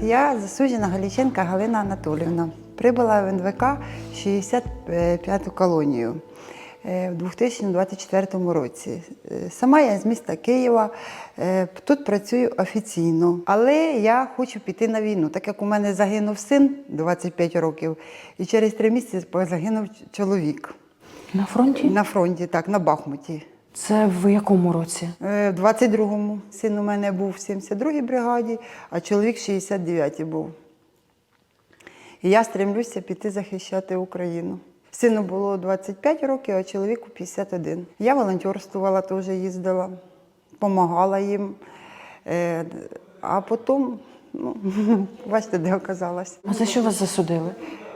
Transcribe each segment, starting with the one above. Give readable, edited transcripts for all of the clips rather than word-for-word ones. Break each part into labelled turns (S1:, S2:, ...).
S1: Я засуджена Галіченка Галина Анатоліївна. Прибула в НВК 65-ту колонію в 2024 році. Сама я з міста Києва, тут працюю офіційно, але я хочу піти на війну, так як у мене загинув син 25 років, і через 3 місяці загинув чоловік.
S2: На фронті?
S1: На фронті, так, на Бахмуті.
S2: Це в якому році?
S1: В 22-му. Син у мене був в 72-й бригаді, а чоловік в 69-й був. І я стремлюся піти захищати Україну. Сину було 25 років, а чоловіку 51. Я волонтерствувала, теж їздила, допомагала їм. А потім, бачите, де оказалась.
S2: А за що вас засудили?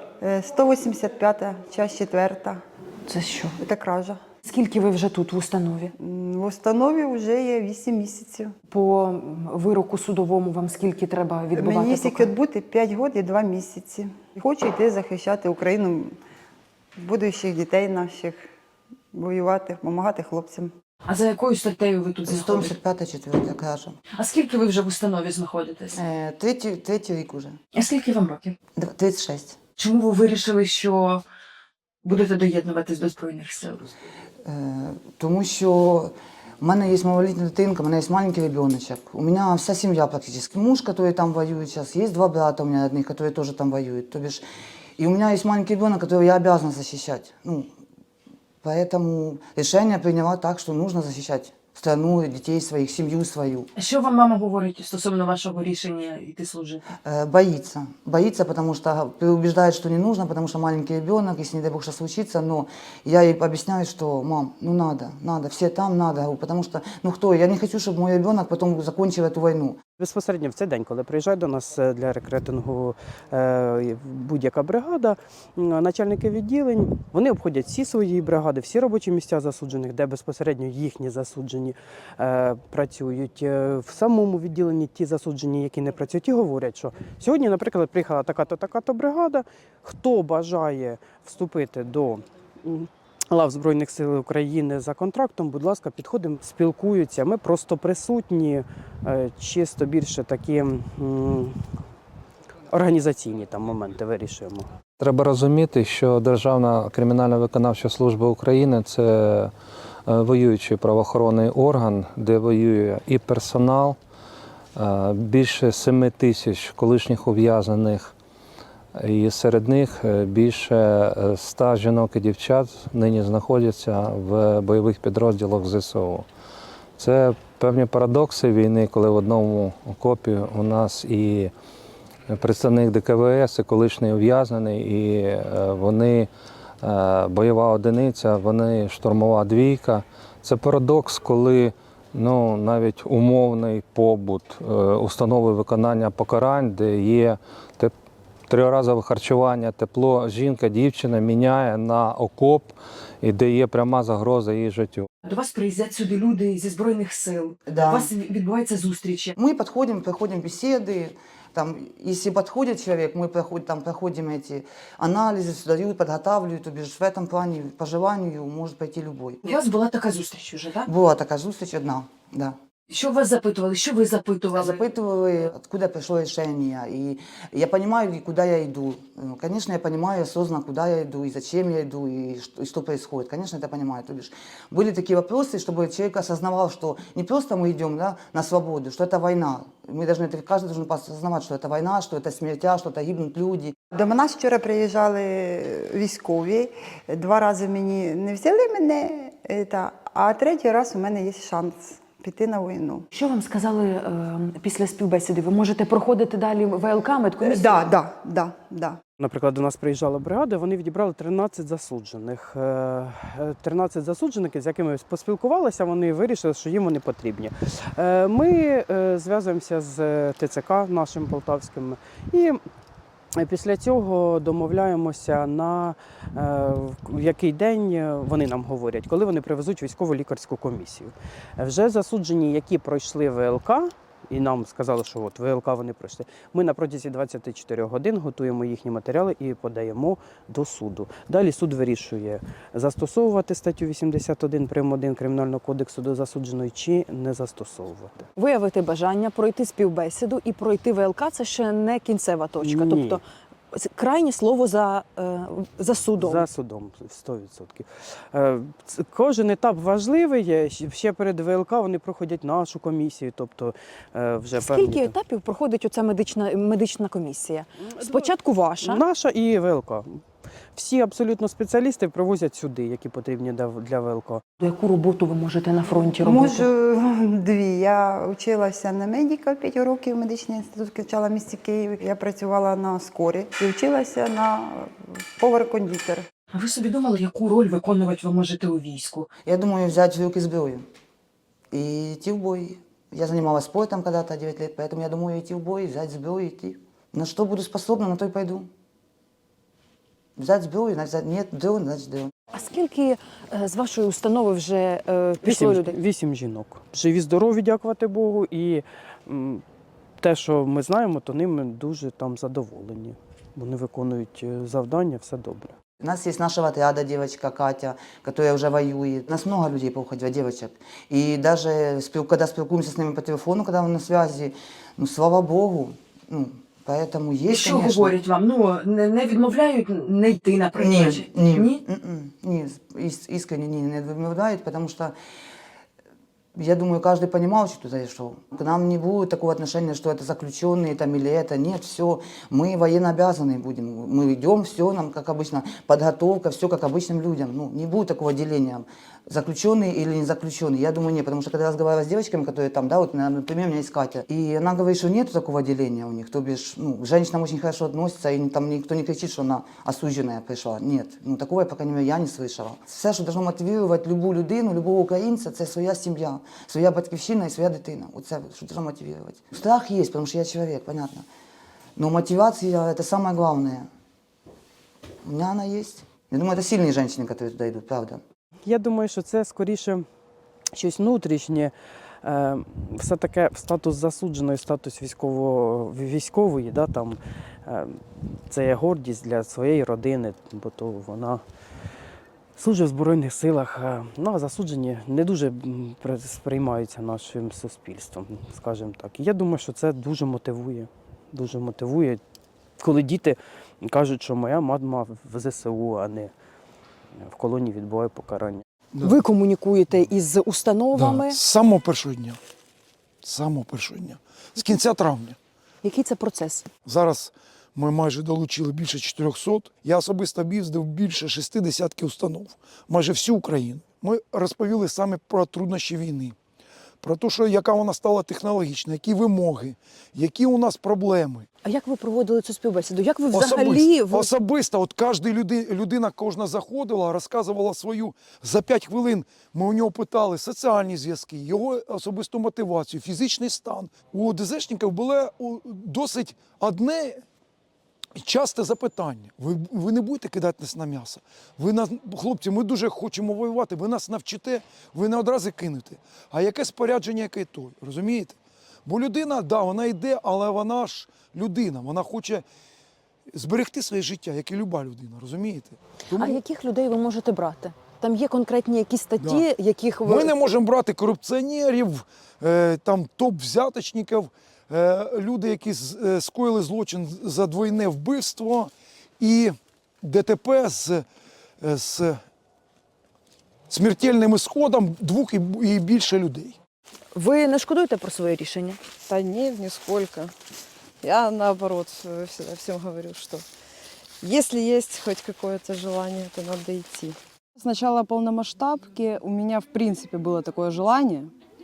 S1: 185-та, часть 4.
S2: Це що?
S1: Це кража.
S2: Скільки ви вже тут в установі?
S1: В установі вже є 8 місяців.
S2: По вироку судовому вам скільки треба відбувати?
S1: Мені стільки відбути 5 років і 2 місяці. Хочу йти захищати Україну, будущих дітей наших, воювати, допомагати хлопцям.
S2: А за якою статтею ви тут знаходитесь?
S3: 185-4 кража.
S2: А скільки ви вже в установі знаходитесь?
S3: Третій рік уже.
S2: А скільки вам років?
S3: 36.
S2: Чому ви вирішили, що будете доєднуватись до Збройних сил?
S3: Тому що в мене є малолітня дитинка, у мене є маленький ребеночок. У мене вся сім'я практично. Муж, який там воює зараз, є 2 брата у мене одних, які теж там воюють. И у меня есть маленький ребенок, которого я обязана защищать. Поэтому решение приняла так, что нужно защищать страну, детей своих, семью свою.
S2: А що вам мама говорить стосовно вашого рішення йти служити?
S3: Боится. Боится, потому что переубеждает, что не нужно, потому что маленький ребенок, если не дай бог что случится, но я ей объясняю, что, мам, надо, все там надо, потому что, кто, я не хочу, чтобы мой ребенок потом закончил эту войну.
S4: Безпосередньо в цей день, коли приїжджає до нас для рекрутингу будь-яка бригада, начальники відділень, вони обходять всі свої бригади, всі робочі місця засуджених, де безпосередньо їхні засуджені працюють. В самому відділенні ті засуджені, які не працюють, і говорять, що сьогодні, наприклад, приїхала така-то бригада, хто бажає вступити до лав Збройних сил України за контрактом, будь ласка, підходимо, спілкуються. Ми просто присутні, чисто більше такі організаційні там моменти вирішуємо.
S5: Треба розуміти, що Державна кримінальна виконавча служба України – це воюючий правоохоронний орган, де воює і персонал, більше 7 тисяч колишніх ув'язнених, і серед них більше 100 жінок і дівчат нині знаходяться в бойових підрозділах ЗСУ. Це певні парадокси війни, коли в одному окопі у нас і представник ДКВС, і колишній ув'язнений, і вони бойова одиниця, вони штурмова двійка. Це парадокс, коли навіть умовний побут, установи виконання покарань, де є триразове харчування, тепло, жінка, дівчина міняє на окоп, і де є пряма загроза її життю.
S2: До вас приїздять сюди люди зі Збройних сил.
S3: Да.
S2: У вас відбуваються зустрічі.
S3: Мы проходим беседы, если подходит человек, мы проходим эти анализы, дают, подготавливают, то бишь в этом плане по желанию может пойти любой.
S2: У вас була така зустріч уже, так?
S3: Была такая зустріч одна, да.
S2: Що вас запитували? Що ви запитували?
S3: Запытывали, откуда пришло решение, и я понимаю, куда я иду. Конечно, я понимаю осознанно, куда я иду, и зачем я иду, и что происходит. Конечно, это понимаю. То бишь, были такие вопросы, чтобы человек осознавал, что не просто мы идем на свободу, что это война. Каждый должен осознавать, что это война, что это смертя, что это гибнут люди.
S1: До нас вчора приїжджали військові, 2 рази мені не взяли мене, а 3-й раз у мене є шанс піти на війну.
S2: Що вам сказали після співбесіди? Ви можете проходити далі ВЛК, медкомісію?
S1: Да.
S4: Наприклад, до нас приїжджала бригада, вони відібрали 13 засуджених. 13 засуджених, з якими поспілкувалися, вони вирішили, що їм вони потрібні. Ми зв'язуємося з ТЦК нашим полтавським і після цього домовляємося на який день вони нам говорять, коли вони привезуть військово-лікарську комісію. Вже засуджені, які пройшли ВЛК, і нам сказали, що от ВЛК вони пройшли. Ми на протязі 24 годин готуємо їхні матеріали і подаємо до суду. Далі суд вирішує, застосовувати статтю 81 прим. 1 Кримінального кодексу до засудженої чи не застосовувати.
S2: Виявити бажання, пройти співбесіду і пройти ВЛК – це ще не кінцева точка.
S4: Ні.
S2: Тобто крайнє слово за судом.
S4: За судом, 100%. Кожен етап важливий. Ще перед ВЛК вони проходять нашу комісію. Тобто вже
S2: Скільки
S4: певні...
S2: етапів проходить оця медична комісія? Спочатку ваша.
S4: Наша і ВЛК. Всі абсолютно спеціалісти привозять сюди, які потрібні для ВЛК.
S2: Яку роботу ви можете на фронті робити?
S1: Можу дві. Я вчилася на медика 5 років, медичний інститут качала в місті Києві. Я працювала на скорі і вчилася на повар-кондитер.
S2: А ви собі думали, яку роль виконувати ви можете у війську?
S3: Я думаю взять в руки зброю и идти в бой. Я занималась спортом когда-то 9 лет, поэтому я думаю идти в бой, взять зброю и идти. На что буду способна, на то и пойду. Взять зброю, значит нет, дрон, значит дрон.
S2: А скільки з вашої установи вже пішло людей?
S4: 8 жінок. Живі, здорові, дякувати Богу. І те, що ми знаємо, то ними дуже там задоволені. Вони виконують завдання, все добре.
S3: У нас есть нашего отряда девочка Катя, которая уже воюет. У нас много людей поуходило, девочек. И даже когда спілкуємося с ними по телефону, когда мы на связи, ну, слава Богу, ну, поэтому есть,
S2: Що
S3: конечно.
S2: говорять вам? Ну, не відмовляють не йти, наприклад?
S3: Ні, искренне не відмовляють, потому что я думаю, каждый понимал, что туда шел. К нам не будет такого отношения, что это заключенные там или это. Нет, все, мы военнообязанные будем. Мы идем, все нам, как обычно, подготовка, все как обычным людям. Ну, не будет такого деления, заключенные или не заключенные. Я думаю, нет, потому что когда я разговаривала с девочками, которые там, да, вот, например, у меня есть Катя, и она говорит, что нет такого деления у них, то бишь, ну, к женщинам очень хорошо относятся, и там никто не кричит, что она осужденная пришла. Нет, ну, такого, по крайней мере, я не слышала. Все, що должно мотивувати любу людину, любого українця, це своя сім'я, своя батьківщина і своя дитина. Оце, що должно мотивувати. Страх є, тому що я чоловік, понятно. Но мотивация – это самое главное. У меня она есть. Я думаю, это сильные женщины, которые туда идут, правда.
S4: Я думаю, що це скоріше щось внутрішнє, все таке статус засудженої, статус військової, да, там, це є гордість для своєї родини, бо то вона служить в Збройних силах, ну, а засуджені не дуже сприймаються нашим суспільством, скажімо так. І я думаю, що це дуже мотивує, коли діти кажуть, що моя мама в ЗСУ, а не в колонії відбуває покарання.
S6: Да.
S2: Ви комунікуєте із установами.
S6: Да. З самого першого дня. З самого першого дня. З кінця травня.
S2: Який це процес?
S6: Зараз ми майже долучили більше 400. Я особисто об'їздив більше 60 установ. Майже всю Україну. Ми розповіли саме про труднощі війни. Про те, що яка вона стала технологічна, які вимоги, які у нас проблеми.
S2: А як ви проводили цю співбесіду? Як ви взагалі...
S6: Особисто, от людина кожна заходила, розказувала свою, за 5 хвилин ми у нього питали соціальні зв'язки, його особисту мотивацію, фізичний стан. У ДЗшників було досить одне часте запитання. Ви не будете кидати нас на м'ясо? Хлопці, ми дуже хочемо воювати, ви нас навчите, ви не одразу кинете. А яке спорядження, яке той, розумієте? Бо людина, да, вона йде, але вона ж людина, вона хоче зберегти своє життя, як і люба людина, розумієте? Тому
S2: А яких людей ви можете брати? Там є конкретні якісь статті, яких ви...
S6: ми не можемо брати корупціонерів, там топ-взяточників, люди, які скоїли злочин за двойне вбивство і ДТП з смертельним ісходом 2 і більше людей.
S2: Ви не шкодуєте про своє рішення?
S7: Да нет, нисколько. Я наоборот всегда всем говорю, что если есть хоть какое-то желание, то надо идти.
S8: С начала полномасштабки у меня в принципе было такое желание.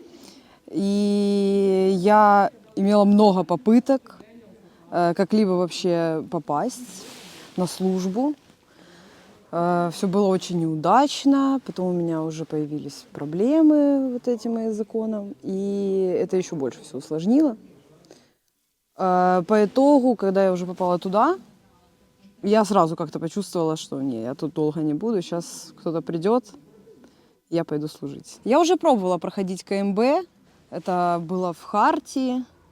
S8: И я имела много попыток как-либо вообще попасть на службу. Все было очень неудачно, потом у меня уже появились проблемы вот этим языконом, и это еще больше все усложнило. По итогу, когда я уже попала туда, я сразу как-то почувствовала, что не, я тут долго не буду, сейчас кто-то придет, я пойду служить. Я уже пробовала проходить КМБ, это было в Хартии,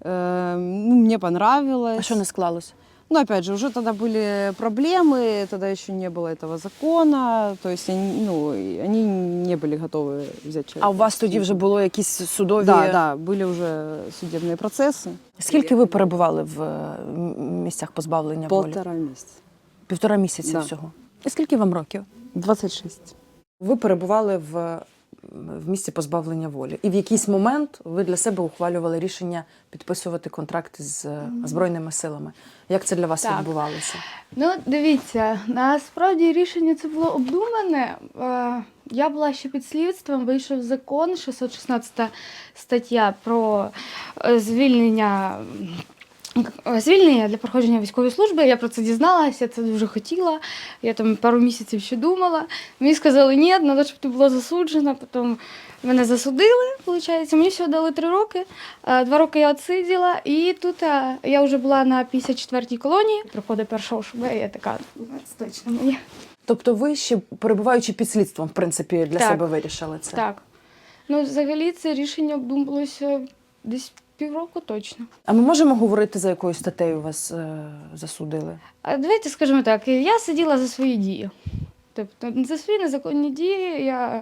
S8: Ну, мне понравилось.
S2: А що не склалось?
S8: Но опять же, уже тогда были проблемы, тогда еще не было этого закона, то есть они не были готовы взять человека.
S2: А у вас тоді вже було якісь судові...
S8: Да, были уже судебные процессы.
S2: Скільки ви перебували в місцях позбавлення волі?
S8: 1,5 месяца.
S2: 1,5 місяця
S8: Да.
S2: всього. І скільки вам років?
S8: 26.
S2: Ви перебували в місці позбавлення волі. І в якийсь момент ви для себе ухвалювали рішення підписувати контракт з Збройними силами. Як це для вас
S9: Так.
S2: відбувалося?
S9: Ну, дивіться, насправді рішення це було обдумане. Я була ще під слідством, вийшов закон, 616 стаття про звільнення для проходження військової служби. Я про це дізналася, я це дуже хотіла. Я там пару місяців ще думала. Мені сказали, ні, треба, щоб ти була засуджена. Потім мене засудили, виходить. Мені всього дали 3 роки. 2 роки я відсиділа. І тут я вже була на 54-й колонії. Приходить 1 ШБ, і я така, це точно моє.
S2: Тобто ви ще, перебуваючи під слідством, в принципі, для
S9: Так.
S2: себе вирішили це?
S9: Так. Ну, взагалі, це рішення обдумувалося десь півроку точно.
S2: А ми можемо говорити, за якою статтею вас засудили?
S9: Давайте скажемо так, я сиділа за свої дії. Тобто за свої незаконні дії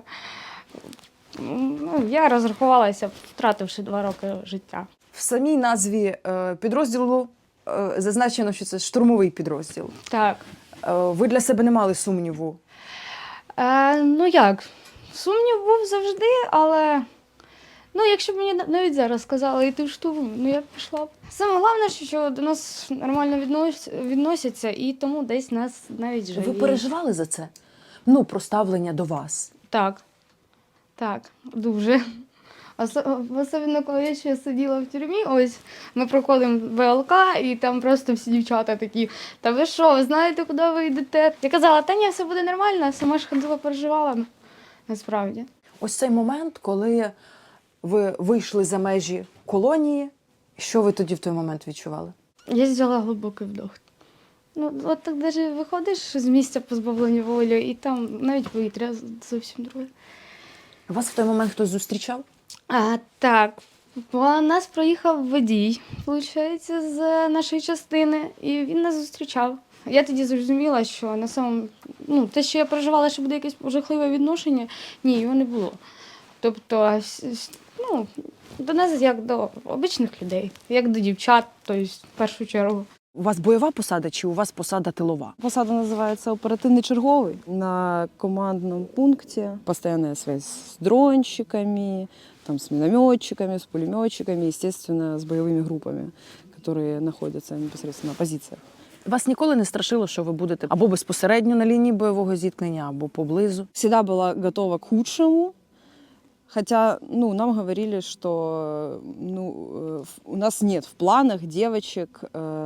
S9: я розрахувалася, втративши 2 роки життя.
S2: В самій назві підрозділу зазначено, що це штурмовий підрозділ.
S9: Так.
S2: Ви для себе не мали сумніву?
S9: Ну як, сумнів був завжди, але якщо б мені навіть зараз сказали йти в штурм, я б пішла б. Саме головне, що до нас нормально відносяться, і тому десь нас навіть жаліють.
S2: Ви переживали за це? Про ставлення до вас?
S9: Так, дуже. Особливо, коли я ще сиділа в тюрмі, ось ми проходимо ВЛК, і там просто всі дівчата такі, та ви що, ви знаєте, куди ви йдете? Я казала, та ні, все буде нормально, сама ж ходила, переживала, насправді.
S2: От цей момент, коли ви вийшли за межі колонії, що ви тоді в той момент відчували?
S9: Я взяла глибокий вдох. От так навіть виходиш з місця позбавлення волі, і там навіть повітря зовсім друге.
S2: Вас в той момент хтось зустрічав?
S9: Так, по нас проїхав водій, виходить, з нашої частини, і він нас зустрічав. Я тоді зрозуміла, що на самому, те, що я переживала, що буде якесь жахливе відношення, ні, його не було. Тобто, до нас як до обичних людей, як до дівчат, тобто, в першу чергу.
S2: У вас бойова посада чи у вас посада тилова?
S8: Посада называется оперативный черговый. На командном пункте постоянная связь с дронщиками, с минометчиками, с пулеметчиками, естественно, с боевыми группами, которые находятся непосредственно на позициях.
S2: Вас ніколи не страшило, що ви будете або безпосередньо на лінії бойового зіткнення, або поблизу?
S8: Всегда была готова к худшему, хотя нам говорили, что у нас нет в планах девочек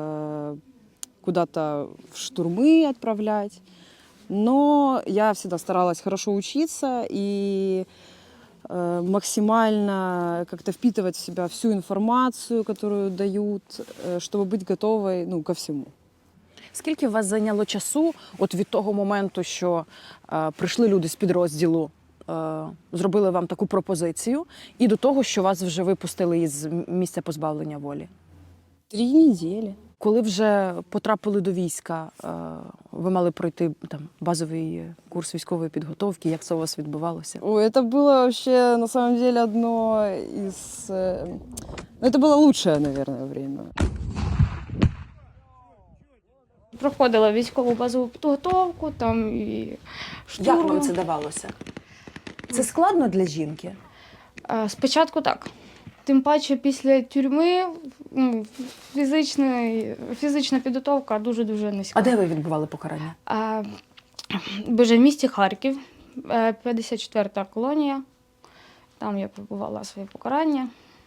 S8: куда-то в штурмы отправлять, но я всегда старалась хорошо учиться и максимально как-то впитывать в себя всю информацию, которую дают, чтобы быть готовой ко всему.
S2: Скільки у вас зайняло часу от від того моменту, що прийшли люди з підрозділу, зробили вам таку пропозицію, і до того, що вас вже випустили із місця позбавлення волі?
S8: 3 недели.
S2: Коли вже потрапили до війська, ви мали пройти базовий курс військової підготовки. Як це у вас відбувалося?
S8: Это было вообще, на самом деле, одно из... Это было лучшее, наверное, время.
S9: Проходила військову базову підготовку, і штурм.
S2: Як вам це давалося? Це складно для жінки?
S9: Спочатку так. Тим паче після тюрми фізична підготовка дуже-дуже низька.
S2: А де ви відбували покарання?
S9: В місті Харків, 54-та колонія. Там я пробувала своє покарання.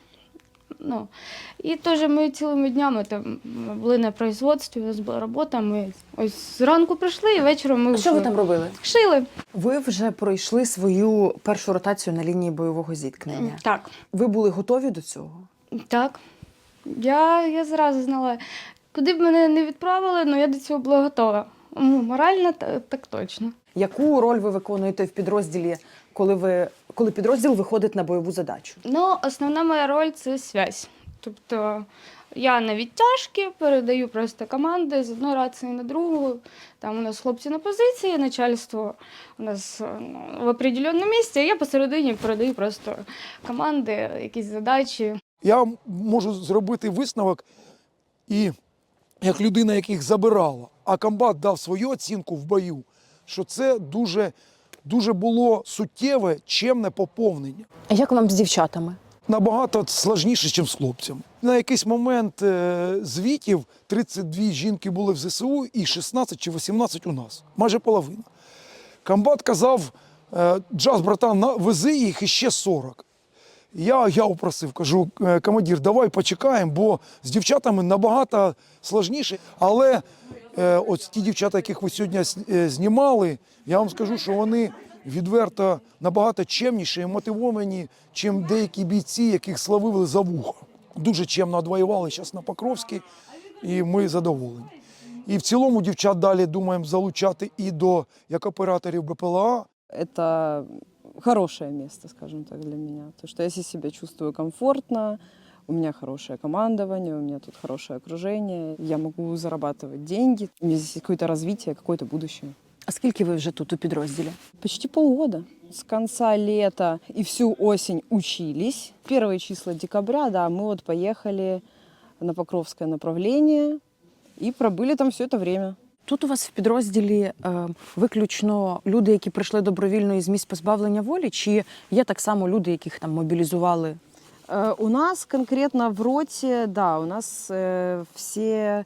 S9: І теж ми цілими днями там були на производстві, у нас була робота. Ми ось зранку прийшли і вечором ми...
S2: Що ви там робили?
S9: Шили.
S2: Ви вже пройшли свою першу ротацію на лінії бойового зіткнення.
S9: Так.
S2: Ви були готові до цього?
S9: Так. Я зразу знала, куди б мене не відправили, але я до цього була готова. Морально так точно.
S2: Яку роль ви виконуєте в підрозділі, коли підрозділ виходить на бойову задачу?
S9: Основна моя роль – це зв'язь. Тобто я на відтяжки передаю просто команди з одної рації на другу. Там у нас хлопці на позиції, начальство у нас в определеному місці, а я посередині передаю просто команди, якісь задачі.
S6: Я можу зробити висновок, і як людина, яких забирала, а комбат дав свою оцінку в бою, що це дуже було суттєве, чемне поповнення.
S2: А як вам з дівчатами?
S6: Набагато складніше, ніж з хлопцями. На якийсь момент звітів 32 жінки були в ЗСУ і 16 чи 18 у нас. Майже половина. Комбат казав, Джаз, братан, вези їх іще 40. Я упросив, кажу, командир, давай почекаємо, бо з дівчатами набагато складніше. Але ось ті дівчата, яких ви сьогодні знімали, я вам скажу, що вони відверто набагато чемніші і мотивовані, чим деякі бійці, яких славили за вухо. Дуже чемно відвоювали зараз на Покровській, і ми задоволені. І в цілому дівчат далі думаємо залучати і до як операторів БПЛА.
S8: Это хорошее место, скажем так, для меня. Потому что я здесь себя чувствую комфортно, у меня хорошее командование, у меня тут хорошее окружение, я могу зарабатывать деньги, у меня здесь какое-то развитие, какое-то будущее.
S2: А скільки ви вже тут у підрозділі?
S8: Почти полгода. С конца лета и всю осень учились. Первые числа декабря, да, мы вот поехали на Покровское направление и пробыли там все это время.
S2: Тут у вас в підрозділі виключно люди, які прийшли добровільно із місць позбавлення волі, чи є так само люди, яких там мобілізували?
S8: У нас конкретно в роте, да, у нас все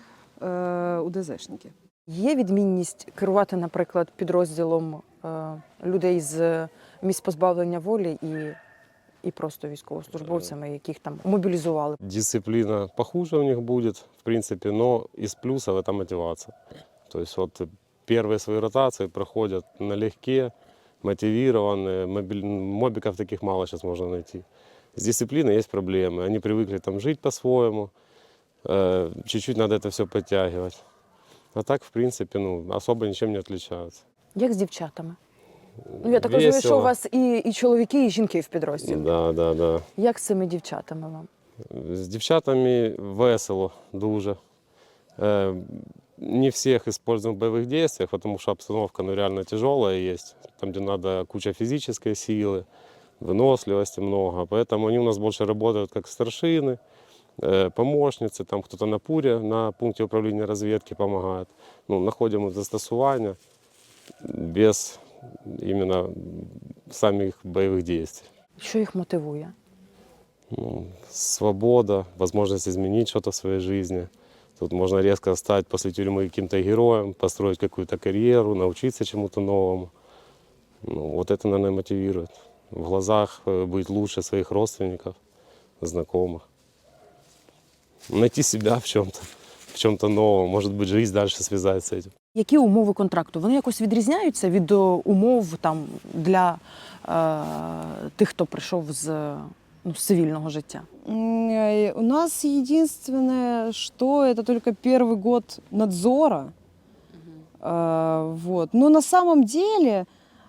S8: УДЗшники.
S2: Є відмінність керувати, наприклад, підрозділом людей з місць позбавлення волі і просто військовослужбовцями, яких там мобілізували?
S10: Дисциплина похуже у них будет, в принципе, но из плюсов это мотивация. То есть вот первые свои ротации проходят налегке, мотивированные, мобиков таких мало сейчас можно найти. С дисциплиной есть проблемы, они привыкли там жить по-своему, чуть-чуть надо это все подтягивать. А так, в принципе, особо ничем не отличаются.
S2: Як з дівчатами? Ну, я так розумію, що у вас і чоловіки, і жінки в підрозділі.
S10: Да.
S2: Як з цими дівчатами вам?
S10: З дівчатами весело дуже. Не всех используем в боевых действиях, потому что обстановка реально тяжелая есть. Там, где надо куча физической силы, выносливости много. Поэтому они у нас больше работают как старшины, помощницы, там кто-то на ПУРе, на пункте управления разведки помогает. Находим застосування без именно самих боевых действий.
S2: Що їх мотивує?
S10: Свобода, возможность изменить что-то в своей жизни. Тут можно резко стать после тюрьмы каким-то героем, построить какую-то карьеру, научиться чему-то новому. Вот это, наверное, мотивирует. В глазах быть лучше своих родственников, знакомых. Найти себя в чем-то новом. Может быть, жизнь дальше связать с этим.
S2: Які умови контракту? Вони якось відрізняються від умов там, для тих, хто прийшов з цивільного життя?
S8: У нас единственное, что это только первый год надзора. Вот. Но на самом деле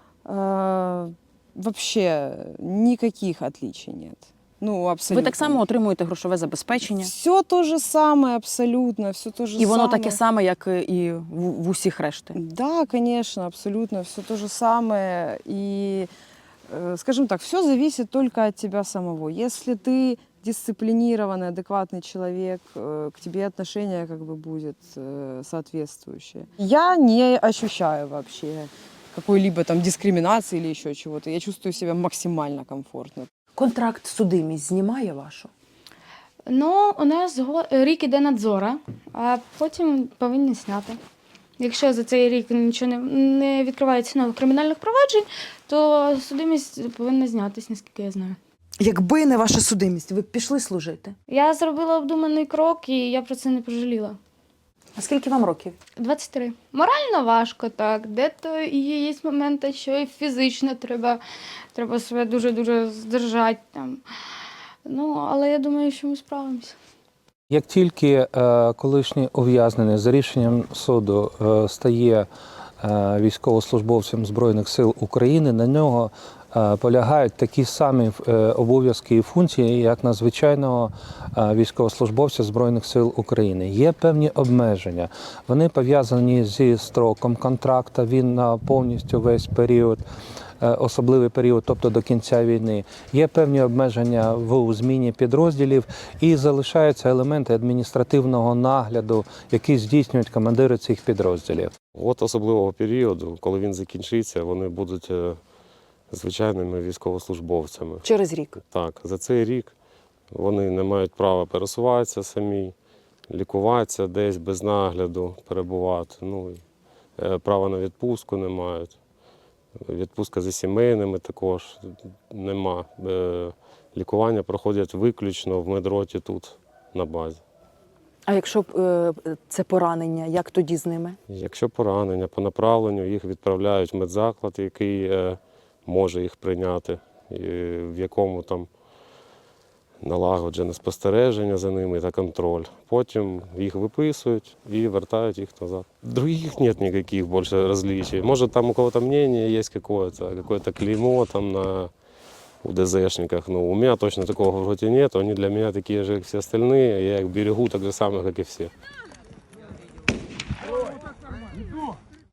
S8: вообще никаких отличий нет. Абсолютно.
S2: Ви так само отримуєте грошове забезпечення?
S8: Все то же самое, абсолютно, все то же самое.
S2: І воно таке саме, як і в усіх решти?
S8: Да, конечно, абсолютно, все то же самое. И, скажем так, все зависит только от тебя самого. Если ты дисциплинированный, адекватный человек, к тебе отношение будет соответствующее. Я не ощущаю вообще какой-либо там дискриминации или еще чего-то. Я чувствую себя максимально комфортно.
S2: Контракт судимість знімає вашу?
S9: У нас рік іде надзора, а потім повинні зняти. Якщо за цей рік нічого не відкривається нових кримінальних проваджень, то судимість повинна знятися, наскільки я знаю.
S2: Якби не ваша судимість, ви б пішли служити?
S9: Я зробила обдуманий крок, і я про це не пожаліла.
S2: А скільки вам років?
S9: 23. Морально важко, так. Де-то є моменти, що і фізично треба себе дуже-дуже здержати. Там. Але я думаю, що ми справимося.
S5: Як тільки колишній ув'язнений за рішенням суду стає військовослужбовцем Збройних сил України, на нього полягають такі самі обов'язки і функції, як на звичайного військовослужбовця Збройних сил України. Є певні обмеження. Вони пов'язані зі строком контракту, він на повністю весь період, особливий період, тобто до кінця війни. Є певні обмеження в зміні підрозділів і залишаються елементи адміністративного нагляду, які здійснюють командири цих підрозділів.
S10: От особливого періоду, коли він закінчиться, вони будуть звичайними військовослужбовцями.
S2: Через рік.
S10: Так, за цей рік вони не мають права пересуватися самі, лікуватися десь без нагляду, перебувати. Ну, права на відпустку не мають. Відпустка зі сімейними також нема. Лікування проходять виключно в медроті тут, на базі.
S2: А якщо це поранення, як тоді з ними?
S10: Якщо поранення, по направленню їх відправляють в медзаклад, який може їх прийняти, в якому там налагоджене спостереження за ними та контроль. Потім їх виписують і вертають їх назад. Других нет никаких больше различий. Может, там у кого-то мнение есть какое-то клеймо там на УДЗшниках. Но у меня точно такого в роте нет. Они для меня такие же, как все остальные. Я их берегу так же самое, как и все.